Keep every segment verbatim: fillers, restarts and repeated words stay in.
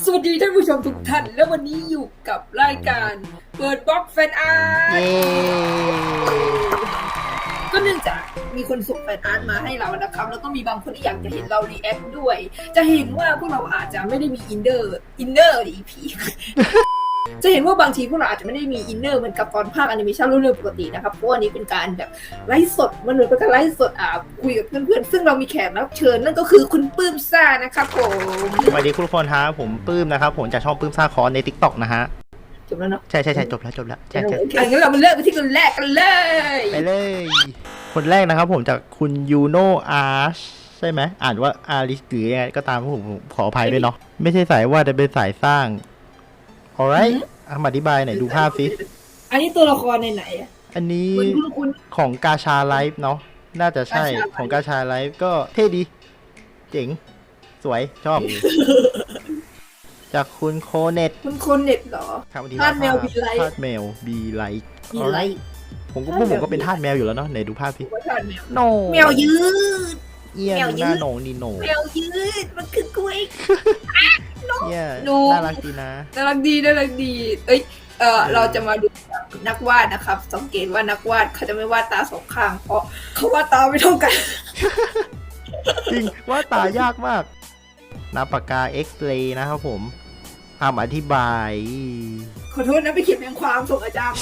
สวัสดีท่านผู้ชมทุกท่านและวันนี้อยู่กับรายการเปิดบล็อกแฟนอาร์ตก็เนื่องจากมีคนส่งแฟนอาร์ตมาให้เรานะครับแล้วก็มีบางคนที่อยากจะเห็นเรารีแอคด้วยจะเห็นว่าพวกเราอาจจะไม่ได้มีอินเนอร์อินเนอร์อีพีจะเห็นว่าบางทีพวกเราอาจจะไม่ได้มีอินเนอร์เหมือนกับตอนภาคแอนิเมชันเรื่องปกตินะครับเพราะวันนี้เป็นการแบบไลฟ์สดมันเหมือนเป็นการไลฟ์สดอ่าคุยกับเพื่อนๆซึ่งเรามีแขกรับเชิญนั่นก็คือคุณปื้มซ่านะครับผมสวัสดีคุณทุกคนฮะผมปื้มนะครับผมจากช่องปื้มซ่าคอนใน ติ๊กต็อก นะฮะจบแล้วเนาะใช่ใช่ใช่จบแล้วจบแล้วใช่ใช่งั้นเรามาเริ่มกันที่คนแรกกันเลยไปเลยคนแรกนะครับผมจากคุณยูโนอาร์ชใช่ไหมอ่านว่าอาริสหรือยังไงก็ตามผมขออภัยด้วยเนาะไม่ใช่สายว่าจะเป็นสายสร้าง alright อธิบายหน่อยดูภาพสิอันนี้ตัวละครในไหนอ่ะอันนี้ของกาชาไลฟ์เนาะน่าจะใช่ของกาชาไลฟ์ก็เท่ดีเจ๋งสวยชอบ จากคุณโคเน็ตคุณโคเน็ตเหรอทาสแมวบีไลท์ทาสแมวบีไลท์บีไลท์ผมก็พวกผมก็เป็นทาสแมวอยู่แล้วเนาะไหนดูภาพสิโนแมวยืดเอี้ยหน้าโหนงนี่โหนแมวยืดมันคือกล้วยเอี้ยน่ารักดีนะน่ารักดีน่ารักดีเอ้ยเออเราจะมาดูนักวาดนะครับสังเกตว่านักวาดเขาจะไม่วาดตาสองข้างเพราะเขาวาดตาไม่เท่ากันจริงวาดตายากมากน้ำปากกาเอ็กซ์เรย์นะครับผมคำอธิบายขอโทษนะไปเขียนเป็นความส่งอาจารย์มา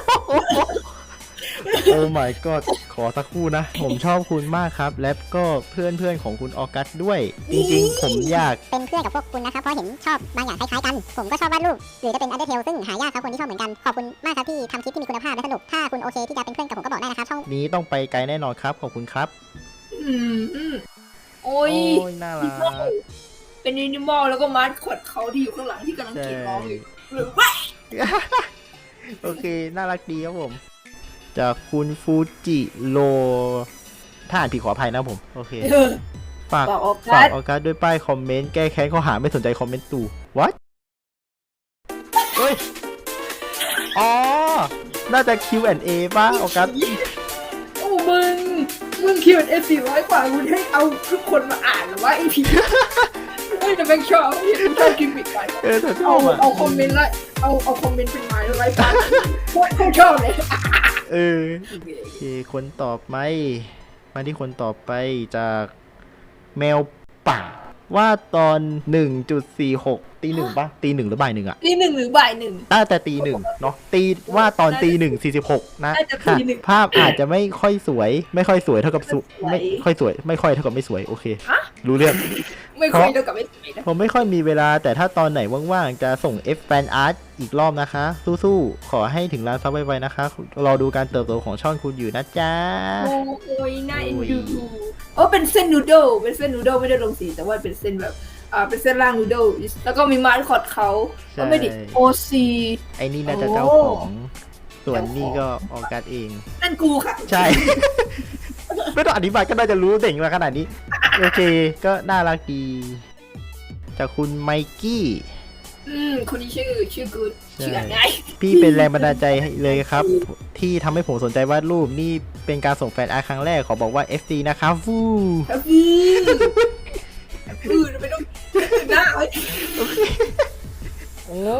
โอ้ my god ขอสักครู่นะผมชอบคุณมากครับและก็เพื่อนเพื่อนของคุณออกัสด้วยจริงๆผมอยากเป็นเพื่อนกับพวกคุณนะครับเพราะเห็นชอบบางอย่างคล้ายๆกันผมก็ชอบวาดรูปหรือจะเป็นอันเดอร์เทลซึ่งหายากครับคนที่ชอบเหมือนกันขอบคุณมากครับที่ทำคลิปที่มีคุณภาพและสนุกถ้าคุณโอเคที่จะเป็นเพื่อนกับผมก็บอกได้นะครับช่องนี้ต้องไปไกลแน่นอนครับขอบคุณครับอืมโอ้ยน่ารักเป็นนินิมอลแล้วก็มาร์คอดเขาที่อยู่ข้างหลังที่กำลังกรีดร้องอยู่หรือว่าโอเคน่ารักดีครับผมจากคุณฟูจิโรถ้าอ่านผิดขออภัยนะผมโอเคฝากฝากออกัสด้วยป้ายคอมเมนต์แก้แค้นข้อหาไม่สนใจคอมเมนต์ตู่ what เฮ้ยอ๋อน่าจะ คิว แอนด์ เอ ป่ะออกัสโอ้มึงมึง คิว แอนด์ เอ สี่ร้อยกว่าคุณให้เอาทุกคนมาอ่านหรือว่าไอพีเฮ้ยแต่แม่งชอบเห็นชอบกิมมิคไปเออชอบอ่ะเอาคอมเมนต์ไล่เอาเอาคอมเมนต์เป็นไม้ไล่ตามโคตรชอบเลยเออโอเคคนต่อไปมาที่คนต่อไปจากแมวป่าว่าตอน หนึ่งจุดสี่หก ตีหนึ่งป่ะตีหนึ่งหรือบ่ายหนึ่งอะตีหนึ่งหรือบ่ายหนึ่งน่าแต่ตีหนึ่งเนาะตีว่าตอนตีหนึ่งสี่สิบหกนะภาพอาจจะไม่ค่อยสวยไม่ค่อยสวยเท่ากับสุไม่ค่อยสวยไม่ค่อยเท่ากับไม่สวยโอเครู้เรื่องไม่ค่อยเท่ากับไม่สวยผมไม่ค่อยมีเวลาแต่ถ้าตอนไหนว่างๆจะส่ง F Fan Art อีกรอบนะคะสู้ๆขอให้ถึงล้านซับไวๆนะคะรอดูการเติบโตของช่องคุณอยู่นะจ๊ะโอ้ยน่าเอ็นดูโอ้เป็นเส้นนูโดเป็นเส้นนูโดไม่ได้ลงสีแต่ว่าเป็นเส้นแบบอ่าเป็นเส้นล่างนูโดแล้วก็มีมาร์คอดเขาก็ไม่ดิโอซีไอ้นี่น่าจะเจ้าของส่วนนี่ก็ออกัสเองนั่นกูค่ะใช่ไม่ต้องอธิบายก็น่าจะรู้เด่งมาขนาดนี้โอเคก็น่ารักดีจากคุณไมกี้อืมคนนี้ชื่อชื่อกูชื่ออะไรพี่เป็นแรงบันดาลใจเลยครับที่ทำให้ผมสนใจวาดรูปนี่เป็นการส่งแฟนอาร์ตครั้งแรกขอบอกว่า เอฟ ซี นะครับฟูฟูฟูไม่ต้องหน้าเลยโอ้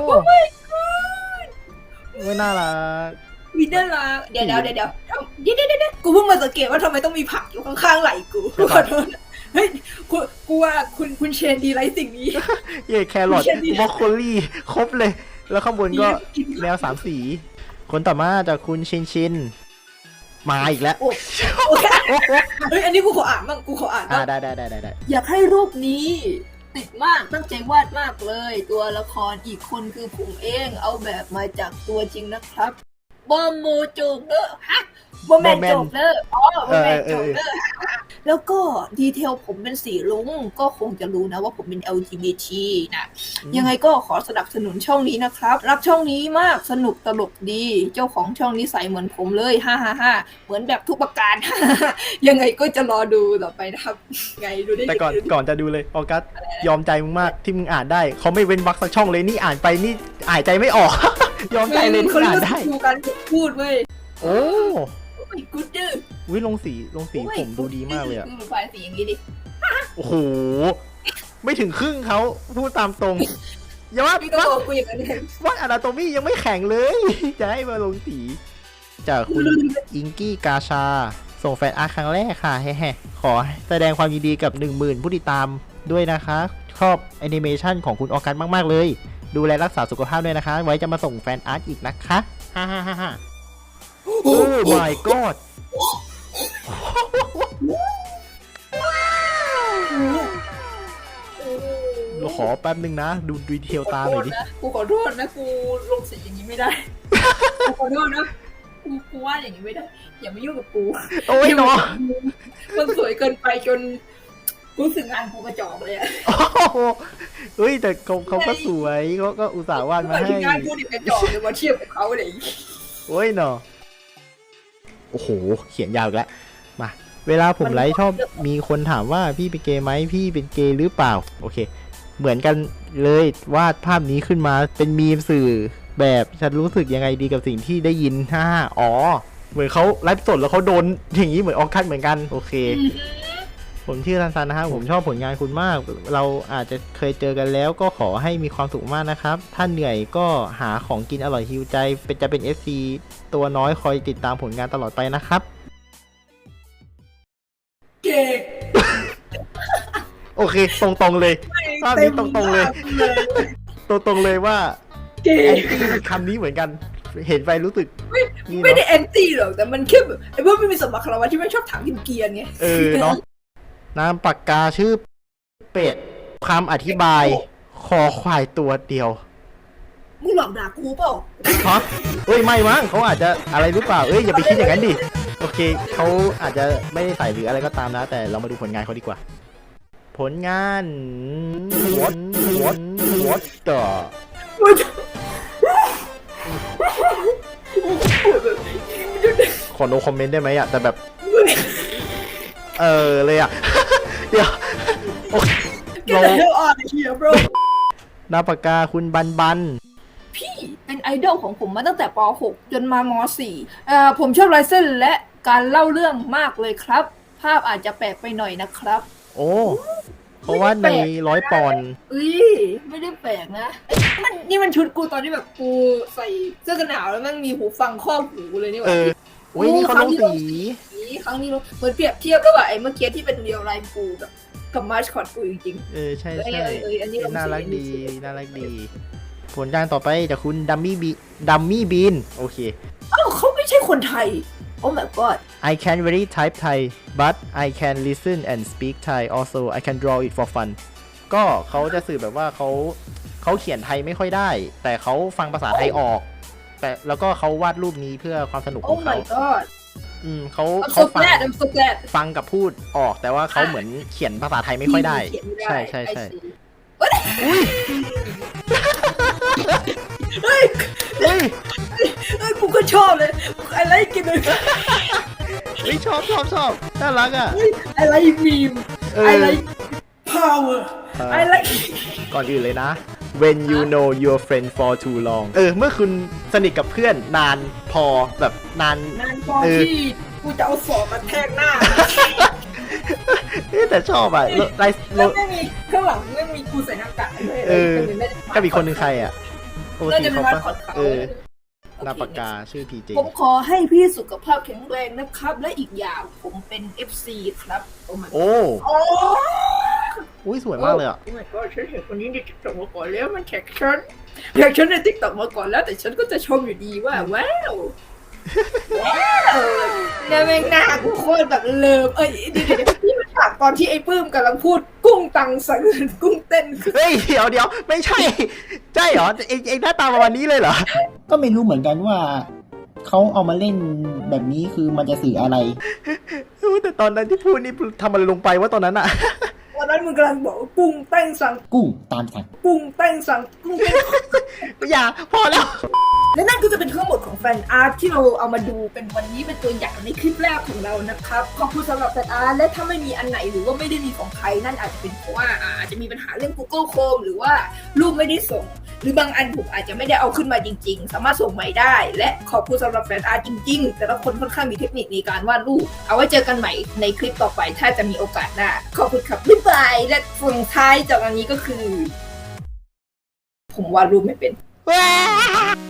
ไม่น่ารักวินเดอร์ลาเดี๋ยวเดี๋ยวเดี๋ยวเดี๋ยวเดี๋ยวเดี๋ยวกูเพิ่งมาสังเกตว่าทำไมต้องมีผักอยู่ข้างๆไหล่กูขอโทษเฮ้ยกูว่าคุณคุณเชนดีไรสิ่งนี้เย่แครอทบรอกโคลี่ครบเลยแล้วข้างบนก็แมวสามสีคนต่อมาจากคุณชินชินมาอีกแล้วเฮ้ยอันนี้กูขออ่านบ้างกูขออ่านบ้างได้ได้ได้ได้อยากให้รูปนี้ติดมากตั้งใจวาดมากเลยตัวละครอีกคนคือผมเองเอาแบบมาจากตัวจริงนะครับบอมโมโจเกอร์ฮะบอมแมนโจเกอร์อ๋อบอมแมนโจเกอร์แล้วก็ดีเทลผมเป็นสีลุ้งก็คงจะรู้นะว่าผมเป็น แอล จี บี ที นะยังไงก็ขอสนับสนุนช่องนี้นะครับรักช่องนี้มากสนุกตลกดีเจ้าของช่องนี้ใส่เหมือนผมเลยฮ่าฮ่าฮ่าเหมือนแบบทุกประการยังไงก็จะรอดูต่อไปนะครับไงดูได้แต่ก่อนก่อนจะดูเลยออกัสยอมใจมึงมากที่มึงอ่านได้เขาไม่เว้นวรรคสักช่องเลยนี่อ่านไปนี่อ่านใจไม่ออกยอมใจเลยที่อ่านได้ดูการพูดเว้ยโอ้ไม่กูดื้อวิลงสีลงสีผมดูดีมากเลยอะดูไฟสีอย่างนี้ดิโอ้โหไม่ถึงครึ่งเขาพูดตามตรงอย่าว่าพี่ก็บอกกูอย่างนั้นเลยว่าอนาโตมี่ยังไม่แข็งเลย จะให้มาลงสีจากคุณอิงกี้กาชา ส่งแฟนอาร์ตครั้งแรกค่ะแฮ่ๆขอแสดงความยินดีกับ หนึ่งหมื่น ผู้ติดตามด้วยนะคะชอบแอนิเมชันของคุณออกัสมากๆเลย ดูแลรักษาสุขภาพด้วยนะคะ ไว้จะมาส่งแฟนอาร์ตอีกนะคะฮ่าฮ่าฮ่าฮ่าโอ้ my god เราขอแป๊บนึงนะ ดูดีเทลตาหน่อยดิกูขอโทษนะกูลงสีอย่างนี้ไม่ได้กูขอโทษนะกูกูว่าอย่างนี้ไม่ได้อย่ามายุ่งกับกูโอ้ยเนาะมันสวยเกินไปจนรู้สึกงานกูกระจอกเลยอะโอ้โหเฮ้ยแต่เขาเขาก็สวยเขาก็อุตส่าห์วาดมาให้งานกูดิกระจอกเลยมาเทียบกับเขาเลยโอ้ยเนาะโอ้โหเขียนยาวอีกแล้วมาเวลาผมไลฟ์ชอบมีคนถามว่าพี่เป็นเกย์ไหมพี่เป็นเกย์หรือเปล่าโอเคเหมือนกันเลยวาดภาพนี้ขึ้นมาเป็นมีมสื่อแบบฉันรู้สึกยังไงดีกับสิ่งที่ได้ยินฮ่าอ๋อเหมือนเขาไลฟ์สดแล้วเขาโดนอย่างนี้เหมือนออกคัดเหมือนกันโอเค ผมชื่อรันซันนะครับผมชอบผลงานคุณมาก เราอาจจะเคยเจอกันแล้วก็ขอให้มีความสุขมากนะครับ ถ้าเหนื่อยก็หาของกินอร่อยฮิวใจ เป็นจะเป็น เอฟ ซี ตัวน้อยคอยติดตามผลงานตลอดไปนะครับเก๋โอเค ตรงๆเลยภาพนี้ตรงๆเลย ตรงๆเลยว่าเก๋แอนตี้คำนี้เหมือนกัน เห็นไปรู้สึกนี่ไม่ได้เนาะแอนตี้หรอกแต่มันแค่แบบไอ้พวกไม่มีสมบัติคารวะที่ไม่ชอบถามกินเกียร์ไงเออเนาะนามปากกาชื่อเป็ดคำอธิบาย คอควายตัวเดียวมึงหลอกด่ากูเปล่าฮะเอ้ยไม่มั้งเขาอาจจะอะไรหรือเปล่าเอ้ยอย่าไปคิดอย่างนั้นดิโอเคเขาอาจจะไม่ได้ใส่หรืออะไรก็ตามนะ แต่เรามาดูผลงานเขาดีกว่า ผลงาน what what what the ขอ no comment ได้ไหมอะแต่แบบ เออเลยอะ เดี๋ยวโอเค Get the hell out of here bro หน้าปากกาคุณบันบันพี่เป็นไอดอลของผมมาตั้งแต่ป หก จนมาม สี่เอ่อผมชอบลายเส้นและการเล่าเรื่องมากเลยครับ ภาพอาจจะแปลกไปหน่อยนะครับโอ้เพราะว่าในร้อยปอนด์อุ้ยไม่ได้แปลกนะมันนี่มันชุดกูตอนที่แบบกูใส่เสื้อกันหนาวแล้วมันมีหูฟังครอบหูเลยนี่หเอว่าอโอ้ยนี่เขาลงสีครั้งนี้เหมือนเปรียบเทียบระหว่างไอ้เมื่อกี้ที่เป็นเรียวไลน์กูกับกับมาร์ชคอตกูจริงเออใช่เอ้ยใช่เอ้ยอันนี้เราน่ารักดีไม่ใช่น่ารักดี ผลงานต่อไปจากคุณดัมมี่บีดัมมี่บีนโอเคๆอ้าวเขาไม่ใช่คนไทย โอ้ my god I can very type Thai but I can listen and speak Thai also I can draw it for fun ก็เขาจะสื่อแบบว่าเขาเขาเขียนไทยไม่ค่อยได้ แต่เขาฟังภาษาไทยออก แต่แล้วก็เขาวาดรูปนี้เพื่อความสนุกขโอ้องเขา my god อืมเขา I'm เขา so ฟัง glad I'm so glad ฟังกับพูดออกแต่ว่าเขาเหมือนเขียนภาษาไทยไม่ค่อยได้เขียนไม่ใช่ใช่ใช่ I see เฮ้ยเฮ้ยเฮ้ยกูก็ชอบเลยไอไลค์กินเลยเฮ้ยชอบชอบชอบน่ารักอ่ะไอไลค์มีมเออไอไลค์ power เออไอไลค์ก่อนอื่นเลยนะ when you know your friend for too long เออ เมื่อคุณสนิทกับเพื่อนนานพอแบบนานนานพอเออที่กูจะเอาศอกมาแทกหน้าเอ๊ะแต่ชอบอ่ะไลฟ์แล้วไม่มีข้างหลังไม่มีกูใส่หน้ากากด้วยเออไม่ได้ก็มีคนหนึ่งใครอ่ะโอน่าทีจะเป็นเขามาปะขอดเขาเออโอเคหน้าปากกาชื่อพีเจผมขอให้พี่สุขภาพแข็งแรงนะครับ และอีกอย่างผมเป็น เอฟ ซี ครับโอ้ my โอ้โอ้อุ้ยสวยมากเลยอ่ะโอ้ my god ฉันเห็นคนนี้ในติ๊กต็อกมาก่อนแล้วมันแท็กฉันแท็กฉันในติ๊กต็อกมาก่อนแล้วแต่ฉันก็จะชมอยู่ดีว่าว้าวว้าวเนี่ยแม่งหน้ากูโคตรแบบเลิฟเอ้ยเดี๋ยวเดี๋ยวนี่มันฉากตอนที่ไอ้ปื้มกำลังพูดกุ้งตังสังกุ้งเต้นคือเฮ้ยเดี๋ยวเดี๋ยวไม่ใช่ ใช่เหรอเองเองหน้าตาประมาณนี้เลยเหรอก็ไม่รู้เหมือนกันว่าเขาเอามาเล่นแบบนี้คือมันจะสื่ออะไรแต่ตอนนั้นที่พูดนี่ทำอะไรลงไปว่าตอนนั้นอ่ะตอนนั้นมึงกำลังบอกว่ากุ้งเต้นสังกุ้งตามสั่งกุ้งเต้นสังกุ้งเต้นอย่าพอแล้วและนั่นก็จะเป็นทั้งหมดของแฟนอาร์ตที่เราเอามาดูเป็นวันนี้เป็นตัวอย่างในคลิปแรกของเรานะครับขอบคุณสำหรับแฟนอาร์ตและถ้าไม่มีอันไหนหรือว่าไม่ได้มีของใครนั่นอาจจะเป็นเพราะว่าอาจจะมีปัญหาเรื่อง Google Chrome หรือว่ารูปไม่ได้ส่ง หรือบางอันผมอาจจะไม่ได้เอาขึ้นมาจริงๆ สามารถส่งใหม่ได้ และขอบคุณสำหรับแฟนอาร์ตจริงๆ แต่ละคนค่อนข้างมีเทคนิคในการวาดรูปเอาไว้เจอกันใหม่ในคลิปต่อไปถ้าจะมีโอกาสหน้าขอบคุณครับบ๊ายบายและส่งท้ายจากอันนี้ก็คือ ผผมวาดรูปไม่เป็นว้า